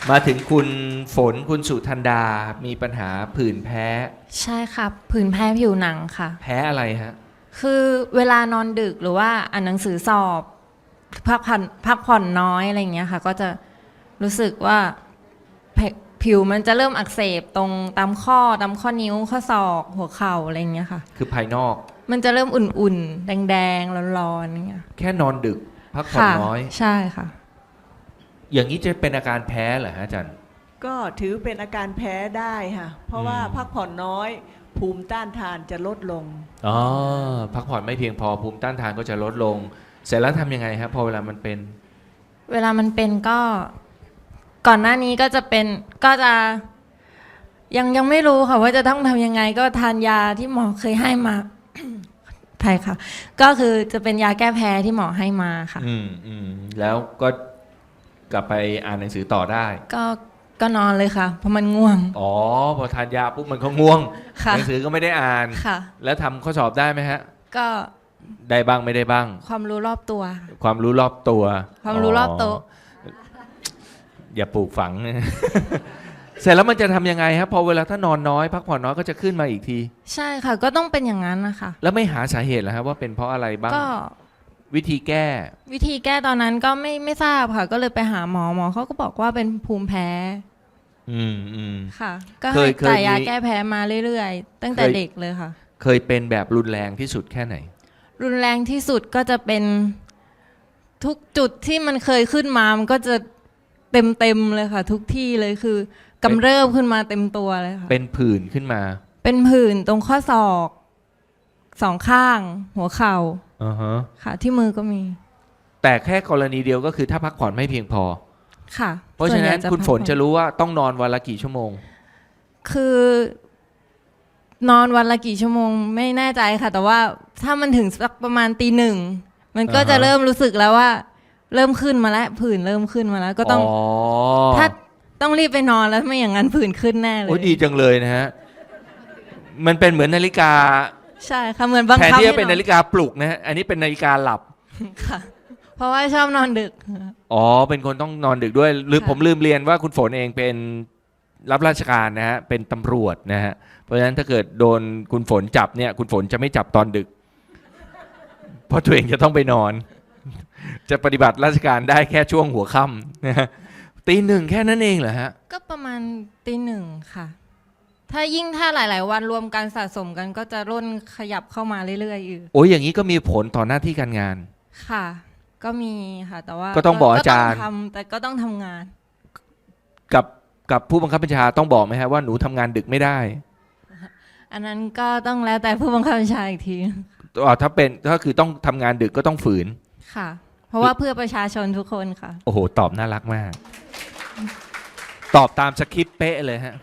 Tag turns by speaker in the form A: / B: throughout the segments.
A: มาถึงคุณฝนคุณสุธันดา มีปัญหาผื่นแพ้
B: ใช่ค่ะผื่นแพ้ผิวหนังค่ะ
A: แพ้อะไรฮะ
B: คือเวลานอนดึกหรือว่าอ่านหนังสือสอบพักผ่อนน้อยอะไรอย่างเงี้ยค่ะ ก็จะรู้สึกว่าผิวมันจะเริ่มอักเสบตรงตามข้อนิ้วข้อศอกหัวเข่าอะไรอย่างเงี้ยค่ะ
A: คือภายนอก
B: มันจะเริ่มอุ่นๆแดงๆร้อนๆอย่างเงี้ย
A: แค่นอนดึก พักผ่อน
B: ค่ะ
A: น้อย
B: ใช่ค่ะ
A: อย่างนี้จะเป็นอาการแพ้เหรอฮะอาจารย์
C: ก็ถือเป็นอาการแพ้ได้ค่ะ เพราะว่าพักผ่อนน้อยภูมิต้านทานจะลดลง
A: อ๋อ พักผ่อนไม่เพียงพอภูมิต้านทานก็จะลดลง เสร็จแล้วทำยังไงครับพอเวลามันเป็น
B: เวลามันเป็นก็ก่อนหน้านี้ก็จะเป็นก็จะยังไม่รู้ค่ะว่าจะต้องทำยังไงก็ทานยาที่หมอเคยให้มา ใช่ค่ะ ก็คือจะเป็นยาแก้แพ้ที่หมอให้มาค่ะ
A: แล้วก็กลับไปอ่านหนังสือต่อได้
B: ก็นอนเลยค่ะ เพราะมันง่วง
A: อ๋อ พอทานยาปุ๊บมันก็ง่วง
B: ค่ะ
A: หนังสือก็ไม่ได้อ่าน
B: ค่ะ
A: แล้วทำข้อสอบได้ไหมฮะ
B: ก็
A: ได้บ้างไม่ได้บ้าง
B: ความรู้รอบตัวค่ะ
A: ความรู้รอบตัว
B: ความรู้รอบโต๊ะ
A: อย่าปลูกฝัง เสร็จแล้วมันจะทำยังไงครับพอเวลาถ้านอนน้อยพักผ่อนน้อยก็จะขึ้นมาอีกที
B: ใช่ค่ะ ก็ต้องเป็นอย่างนั้นนะคะ
A: แล้วไม่หาสาเหตุเหรอครับว่าเป็นเพราะอะไรบ้าง
B: ก็
A: วิธีแก้
B: วิธีแก้ตอนนั้นก็ไม่ทราบค่ะ ก็เลยไปหาหมอเขาก็บอกว่าเป็นภูมิแพ้
A: อืม
B: ค่ะ ก็
A: เค
B: ให้
A: ย
B: จ่ายยา
A: มี
B: แก้แพ้มาเรื่อยๆ ตั้งแต่
A: เคย
B: เด็กเลยค่ะ
A: เคยเป็นแบบรุนแรงที่สุดแค่ไหน
B: รุนแรงที่สุดก็จะเป็นทุกจุดที่มันเคยขึ้นมามันก็จะเต็มเลยค่ะ ทุกที่เลยคือกำเริบขึ้นมาเต็มตัวเลยค่ะ
A: เป็นผื่นขึ้นมา
B: เป็นผื่นตรงข้อศอกสองข้าง หัวเข่า
A: อ่าฮะ
B: ค่ะ ที่มือก็มี
A: แต่แค่กรณีเดียวก็คือถ้าพักผ่อนไม่เพียงพอ
B: ค่ะ
A: เพราะฉะนั้น
B: ส่วใหญ่
A: คุณฝน
B: พักผ่อ
A: จะรู้ว่าต้องนอนวันละกี่ชั่วโมง
B: คือนอนวันละกี่ชั่วโมงไม่แน่ใจค่ะ แต่ว่าถ้ามันถึงสักประมาณตีหนึ่งมันก็
A: อ่าฮะ
B: จะเริ่มรู้สึกแล้วว่า เริ่มขึ้นมาแล้วผื่นเริ่มขึ้นมาแล้ว ก็ต้อง ถ้าต้องรีบไปนอนแล้วไม่อย่างนั้นผื่นขึ้นแน่เล
A: โอ้
B: ย
A: ดีจังเลยนะฮะ มันเป็นเหมือนนาฬิกา
B: ใช่ค่ะเหมือนบัง
A: แทน
B: คับ
A: ที่จะ
B: ให้
A: เป็นนาฬิกาปลุกนะฮะ อันนี้เป็นนาฬิกาหลับ
B: ค่ะ เพราะว่าชอบนอนดึก
A: อ๋อ เป็นคนต้องนอนดึกด้วย หรือ
B: ค่ะ
A: ผมลืมเรียนว่าคุณฝนเองเป็นรับราชการนะฮะ เป็นตำรวจนะฮะ เพราะฉะนั้นถ้าเกิดโดนคุณฝนจับเนี่ย คุณฝนจะไม่จับตอนดึก เพราะตัวเองจะต้องไปนอน จะปฏิบัติราชการได้แค่ช่วงหัวค่ำนะฮะตีหนึ่งแค่นั้นเองเหรอฮะ
B: ก็ประมาณตีหนึ่งค่ะ ถ้าหลาย ๆ วันรวมกันสะสมกันก็จะร่นขยับเข้ามาเรื่อยๆอยู่
A: โอ้ยอย่างนี้ก็มีผลต่อหน้าที่การงาน
B: ค่ะ ก็มีค่ะ แต่ว่า
A: ก็ต้องบอกอาจารย์
B: ก็ต้องทำแต่ก็ต้องทำงาน
A: กับผู้บังคับบัญชาต้องบอกไหมฮะว่าหนูทำงานดึกไม่ได้
B: อันนั้นก็ต้องแล้วแต่ผู้บังคับบัญชาอีกที
A: ถ้าคือต้องทำงานดึกก็ต้องฝืน
B: ค่ะ เพราะว่าเพื่อประชาชนทุกคนค่ะ
A: โอ้โห ตอบน่ารักมาก ตอบตามสคริปต์เป๊ะเลยฮะ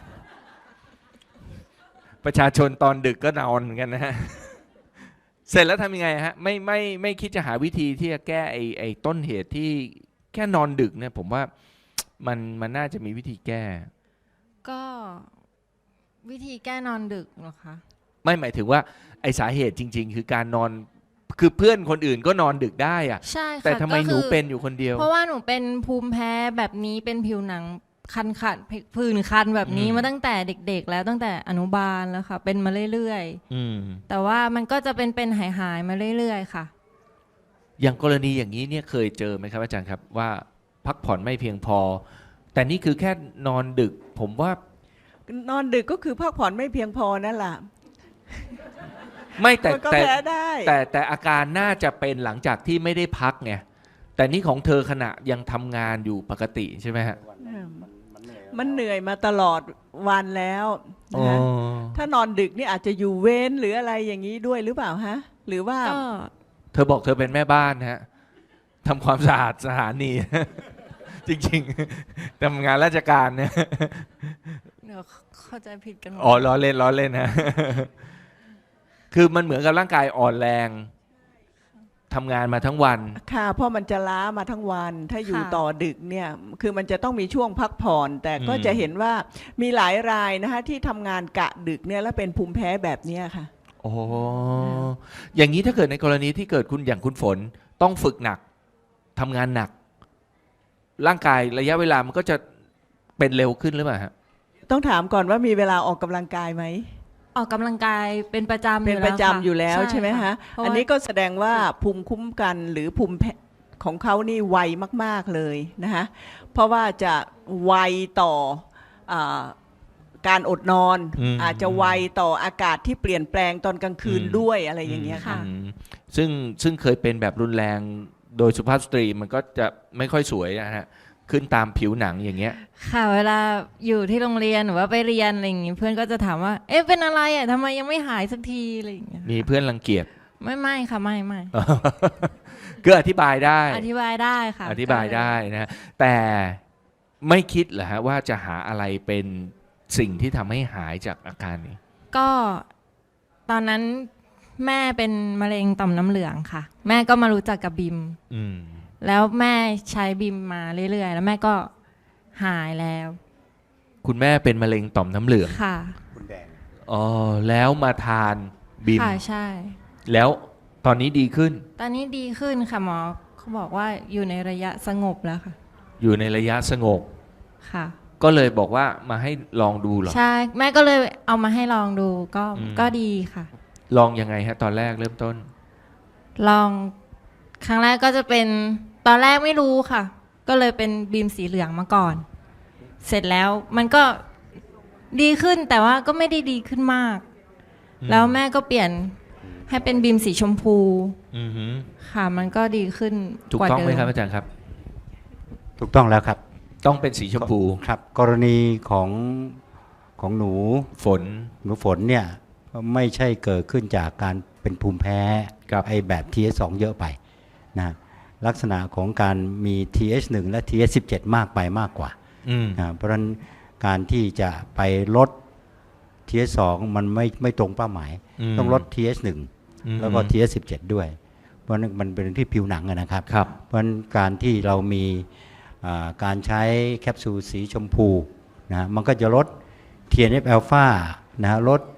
A: ประชาชนตอนดึกก็นอนเหมือนกันนะฮะ เสร็จแล้วทำยังไงฮะ ไม่คิดจะหาวิธีที่จะแก้ไอ้ต้นเหตุที่แค่นอนดึกเนี่ย ผมว่ามันน่าจะมีวิธีแก้
B: ก็วิธีแก้นอนดึกเหรอคะ
A: ไม่หมายถึงว่าไอ้สาเหตุจริง ๆ คือการนอน คือเพื่อนคนอื่นก็นอนดึกได้อะ
B: ใช่ค่ะ
A: แต่ทำไม
B: ก็
A: ห
B: คื
A: นู
B: อ
A: เป็นอยู่คนเดียว
B: เพราะว่าหนูเป็นภูมิแพ้แบบนี้เป็นผิวหนังคันผื่นคันแบบนี้
A: อืม
B: มาตั้งแต่เด็ก ๆ แล้วตั้งแต่อนุบาลแล้วค่ะ เป็นมาเรื่อย
A: อืม
B: ๆแต่ว่ามันก็จะเป็นหายมาเรื่อยๆค่ะ
A: อย่างกรณีอย่างนี้เนี่ยเคยเจอไหมครับอาจารย์ครับว่าพักผ่อนไม่เพียงพอ แต่นี่คือแค่นอนดึก ผมว่าน
C: อนดึกก็คือพักผ่อนไม่เพียงพอนั่นแหละ
A: ไม่แต่
C: มันก็
A: แต่
C: แพ้ได้
A: แต่อาการน่าจะเป็นหลังจากที่ไม่ได้พักไงแต่นี่ของเธอขณะยังทำงานอยู่ปกติใช่ไหมฮะ
C: มันเหนื่อยมาตลอดวันแล้ว
A: อ๋อ
C: นะฮะถ้านอนดึกนี่อาจจะอยู่เว้นหรืออะไรอย่างนี้ด้วยหรือเปล่าฮะ หรือว่า
B: ก็
A: เธอบอกเธอเป็นแม่บ้านฮะทำความสะอาดสถานี จริงๆทำงานราชการเนี่ย
B: เดี๋ยวเข้าใจผิดกันหมด
A: อ๋อล้อเล่นฮะ คือมันเหมือนกับร่างกายอ่อนแรงทำงานมาทั้งวัน
C: ค่ะเพราะมันจะล้ามาทั้งวัน ถ้าอยู่ต่อดึกเนี่ยคือมันจะต้องมีช่วงพักผ่อน แต่ก็
A: อืม
C: จะเห็นว่ามีหลายรายนะคะที่ทำงานกะดึกเนี่ยแล้วเป็นภูมิแพ้แบบเนี้ยค่ะ
A: โอ้อย่างนี้ถ้าเกิดในกรณีที่เกิดคุณอย่างคุณฝนต้องฝึกหนักทำงานหนัก ร่างกายระยะเวลามันก็จะเป็นเร็วขึ้นหรือเปล่าฮะ
C: ต้องถามก่อนว่ามีเวลาออกกำลังกายไหม
B: ออกกำลังกายเป็นประจำ
C: เป็นประจำอยู่แล้วใช่ไหม
B: ค่
C: ฮะ
B: เพราว่า
C: อันนี้ก็แสดงว่าภูมิคุ้มกันหรือภูมิของเขานี่ไวมากๆเลยนะคะเพราะว่าจะไวต่ออาการอดนอน อาจจะไวต่ออากาศที่เปลี่ยนแปลงตอนกลางคืนด้วยอะไรอย่างเงี้ยค่ะ
A: อืมซึ่งเคยเป็นแบบรุนแรงโดยสุภาพสตรีมันก็จะไม่ค่อยสวยนะฮะขึ้นตามผิวหนังอย่างเงี้ย
B: ค่ะเวลาอยู่ที่โรงเรียนหรือว่าไปเรียนอะไรอย่างงี้เพื่อนก็จะถามว่าเอ๊ะเป็นอะไรอ่ะทำไมยังไม่หายสักทีอะไรอย่างเงี้ย
A: มีเพื่อนรังเกียจ
B: ไม่ค่ะไม่
A: ก็อธิบายได้
B: อธิบายได้ค่ะ
A: อธิบายได้นะฮะแต่ไม่คิดเหรอฮะว่าจะหาอะไรเป็นสิ่งที่ทำให้หายจากอาการนี้
B: ก็ตอนนั้นแม่เป็นมะเร็งต่อมน้ำเหลืองค่ะ แม่ก็มารู้จักกับบิม
A: อืม
B: แล้วแม่ใช้บิมมาเรื่อยๆแล้วแม่ก็หายแล้ว
A: คุณแม่เป็นมะเร็งต่อมน้ำเหลือง
B: ค่ะ
A: อ๋อแล้วมาทานบิม
B: ค่ะใช่
A: แล้วตอนนี้ดีขึ้น
B: ตอนนี้ดีขึ้นค่ะหมอเขาบอกว่าอยู่ในระยะสงบแล้วค่ะ
A: อยู่ในระยะสงบ
B: ค่ะ
A: ก็เลยบอกว่ามาให้ลองดูเหรอ
B: ใช่แม่ก็เลยเอามาให้ลองดูก็
A: อืม
B: ก็ดีค่ะ
A: ลองยังไงฮะตอนแรกเริ่มต้น
B: ลองครั้งแรกก็จะเป็นตอนแรกไม่รู้ค่ะ ก็เลยเป็นบีมสีเหลืองมาก่อน เสร็จแล้วมันก็ดีขึ้นแต่ว่าก็ไม่ได้ดีขึ้นมาก
A: อืม
B: แล้วแม่ก็เปลี่ยนให้เป็นบีมสีชมพู
A: อือหือ
B: ค่ะ มันก็ดีขึ้น
A: ถูก
B: กว่า
A: ต้อง
B: เดิ
A: ไหม
B: ม
A: ครับอาจารย์ครับ
D: ถูกต้องแล้วครับ
A: ต้องเป็นสีชมพู
D: ครับกรณีของหนู
A: ฝน
D: ฝนเนี่ยไม่ใช่เกิดขึ้นจากการเป็นภูมิแพ้
A: ครับ
D: ไอแบบ TH2 เยอะไปนะลักษณะของการมี TH1 และ TH17 มากไปมากกว่า
A: อืม
D: นะเพราะฉะนั้นการที่จะไปลด TH2 มันไม่ตรงเป้าหมาย ต้องลด TH1 แล้วก็ TH17 ด้วย เพราะนั้นมันเป็นที่ผิวหนังอะนะครับ
A: ครับ
D: เพราะฉะนั้นการที่เรามีการใช้แคปซูลสีชมพูนะมันก็จะลด TNF อ l p h a นะลด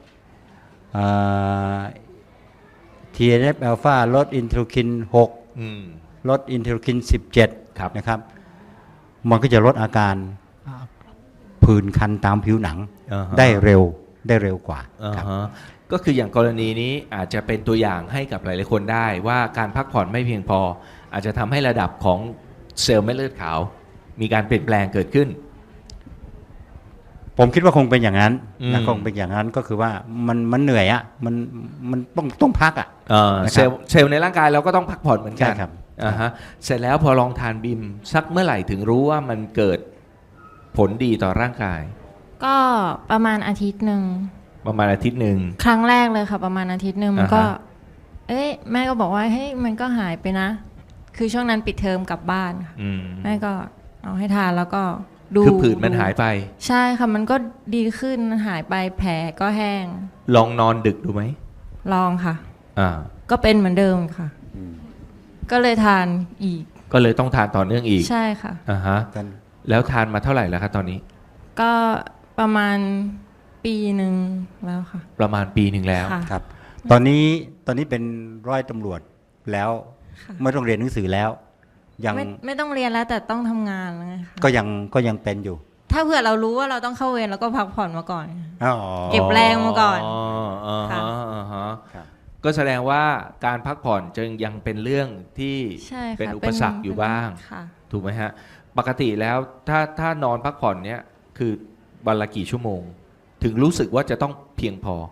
D: TNF อ l p h a ลดอินเทอร์คิน
A: อืม
D: 6 ลดอินเทอร์คิน
A: ครับ
D: 17นะครับมันก็จะลดอาการผื่นคันตามผิวหนัง
A: อ่าฮะ
D: ได้เร็วกว่า
A: อ่า
D: ครับ
A: ฮะก็คืออย่างกรณีนี้อาจจะเป็นตัวอย่างให้กับหลายๆคนได้ว่าการพักผ่อนไม่เพียงพอ อาจจะทำให้ระดับของเซลล์เม็ดเลือดขาว มีการเปลี่ยนแปลงเกิดขึ้น
D: ผมคิดว่าคงเป็นอย่างนั้น
A: อืม
D: นะคงเป็นอย่างนั้นก็คือว่ามันเหนื่อยอ่ะมันต้องพักอ่ะ นะครับ
A: เซลล์ในร่างกายเราก็ต้องพักผ่อนเหมือนกัน
D: ใช่ครับ
A: อ่าฮะเสร็จแล้วพอลองทานบิมสักเมื่อไหร่ถึงรู้ว่ามันเกิดผลดีต่อร่างกาย
B: ก็ประมาณอาทิตย์หนึ่ง
A: ประมาณอาทิตย์หนึ่ง
B: ครั้งแรกเลยค่ะ ประมาณอาทิตย์หนึ่งมันก็
A: อ่าฮะ
B: เอ้ยแม่ก็บอกว่าเฮ้ยมันก็หายไปนะ คือช่วงนั้นปิดเทอมกลับบ้านค่ะ
A: อืม
B: แม่ก็เอาให้ทานแล้วก็ดู
A: คือผื่นมันหายไป
B: ใช่ค่ะมันก็ดีขึ้นมันหายไปแผลก็แห้ง
A: ลองนอนดึกดูไหม
B: ลองค่ะ
A: อ่า
B: ก็เป็นเหมือนเดิมค่ะ ก็เลยทานอีก
A: ก็เลยต้องทานต่อเนื่องอีก
B: ใช่ค่ะ
A: อ่าฮะแล้วทานมาเท่าไหร่แล้วครับตอนนี้
B: ก็ประมาณปีหนึ่งแล้วค่ะ
A: ประมาณปีหนึ่งแล้ว
B: ค่ะ
D: ครับตอนนี้เป็นร้อยตำรวจแล้ว
B: ค่ะ
D: ไม่ต้องเรียนหนังสือแล้ว ยัง
B: ไม่ต้องเรียนแล้วแต่ต้องทำงานแล้วไงคะ
D: ก็ยังเป็นอยู่
B: ถ้าเผื่อเรารู้ว่าเราต้องเข้าเวรแล้วก็พักผ่อนมาก่อน
D: อ๋อ
B: เก็บแรงมาก่อน
A: อ่า
B: ค่ะ
A: ฮะอ่าฮะ
D: ครับ
A: ก็แสดงว่าการพักผ่อนจึงยังเป็นเรื่องที่
B: ใช่ค่ะ
A: เป็นอุปสรรคอยู่บ้าง
B: ค่ะ
A: ถูกไหมฮะ ปกติแล้วถ้านอนพักผ่อนเนี่ยคือวันละกี่ชั่วโมง ถึงรู้สึกว่าจะต้องเพียงพอ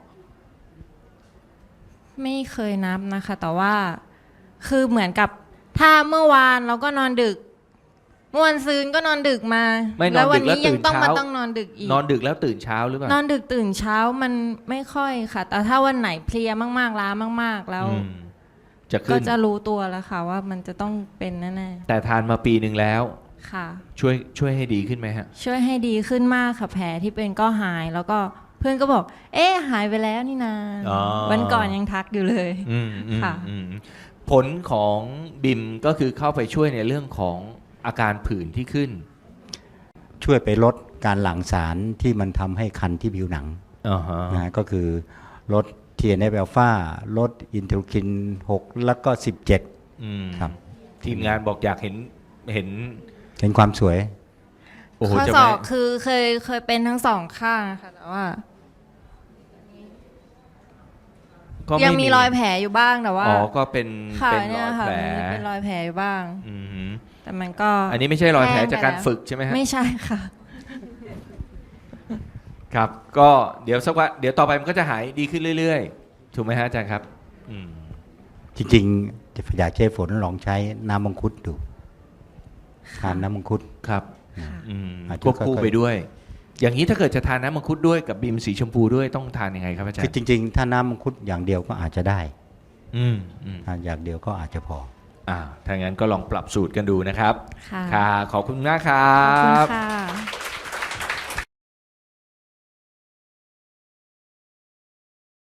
B: ไม่เคยนับนะคะ แต่ว่าคือเหมือนกับถ้าเมื่อวานเราก็นอนดึกเมื่อวันซืนก็นอนดึกมา
A: ไม่นอนดึก
B: แล้ววันนี้
A: แล้วตื่
B: ยั
A: น
B: ต้องมา
A: เช้า
B: ต้องนอนดึกอีก
A: นอนดึกแล้วตื่นเช้าหรือเปล่าน
B: อนดึกตื่นเช้ามันไม่ค่อยค่ะ แต่ถ้าวันไหนเพลียมากๆล้ามากๆ แล้ว
A: อืมจะ
B: ก็
A: ขึ้น
B: จะรู้ตัวแล้วค่ะ ว่ามันจะต้องเป็นแน่
A: แต่ทานมาปีหนึ่งแล้ว
B: ๆค่ะ
A: ช่วยให้ดีขึ้นไหมฮะ
B: ช่วยให้ดีขึ้นมากค่ะแผลที่เป็นก็หาย แล้วก็เพื่อนก็บอก เอ๊ะหายไปแล้วนี่นา
A: อ๋อ
B: วันก่อนยังทักอยู่เลย
A: อืมอืม
B: ค่ะ
A: อืมผลของบิมก็คือเข้าไปช่วยในเรื่องของอาการผื่นที่ขึ้น
D: ช่วยไปลดการหลั่งสารที่มันทำให้คันที่ผิวหนัง
A: อ่าฮะ
D: นะก็คือลด TNF อ l p h a ลดอินเทอร์คิน 6 แล้วก็ 17
A: อืม
D: ครับ
A: ทีมงานบอกอยากเห็น
D: เห็นความสวย
A: โอ้โห
B: ข้อ
A: จะ
B: ศ
A: ไม่
B: อกคือเคยเป็นทั้งสองข้างค่ะแต่ว่า
A: ก็ไ
B: ยังมีรอยแผลอยู่บ้างแต่ว่า
A: อ๋อก็เป็น
B: ค่ะ
A: เป็นร
B: เนี่
A: อย ย
B: ค่ะ
A: แผล
B: มันเป็นรอยแผลอยู่บ้าง
A: อือหือ
B: แต่มันก็
A: อันนี้ไม่ใช่รอยแผล
B: ห้งไป
A: จากการ
B: ล้ว
A: ฝึกใช่ไหมฮะ
B: ไม่ใช่ค่ะ
A: ครับ ก็เดี๋ยวสักวันเดี๋ยวต่อไปมันก็จะหายดีขึ้นเรื่อยๆ ถูกไหมฮะอาจารย์ครับ อืม
D: จริงๆอยากใช้ฝนลองใช้น้ำมังคุดดูทานน้ำมังคุด
A: ครับ
B: ค่ะ
A: อืม
D: อาจจะ
A: ควบคู่
D: ค่อยๆ
A: ไปด้วย อย่างนี้ถ้าเกิดจะทานน้ำมังคุดด้วยกับบีมสีชมพูด้วยต้องทานยังไงครับอาจาร
D: คือ
A: ย์
D: จริงๆ ถ้าน้ำมังคุดอย่างเดียวก็อาจจะได้
A: อืมอืม
D: ทานอย่างเดียวก็อาจจะพอ
A: ถ้างั้นก็ลองปรับสูตรกันดูนะครับ
B: ค่ะ
A: ค่ะ ขอบคุณมากครั
B: ขอบคุณ
A: บ
B: ค่ะ